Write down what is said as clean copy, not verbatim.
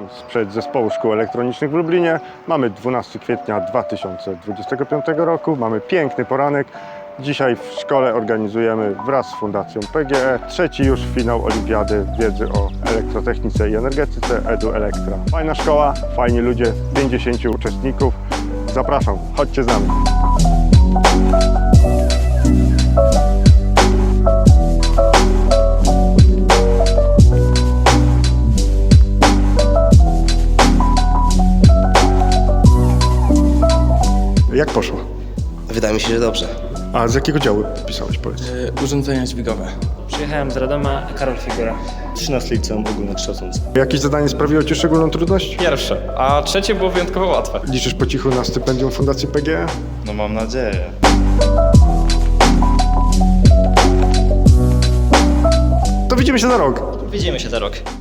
z Przedzespołu Szkół Elektronicznych w Lublinie. Mamy 12 kwietnia 2025 roku. Mamy piękny poranek. Dzisiaj w szkole organizujemy wraz z Fundacją PGE trzeci już finał Olimpiady Wiedzy o Elektrotechnice i Energetyce Edu Elektra. Fajna szkoła, fajni ludzie, 50 uczestników. Zapraszam, chodźcie z nami. Jak poszło? Wydaje mi się, że dobrze. A z jakiego działu pisałeś, powiedz? Urządzenia dźwigowe. Przyjechałem z Radoma, Karol Figura. 13 liceum ogólnokształcące. Jakieś zadanie sprawiło Ci szczególną trudność? Pierwsze, a trzecie było wyjątkowo łatwe. Liczysz po cichu na stypendium Fundacji PGE? No mam nadzieję. To widzimy się za rok. Widzimy się za rok.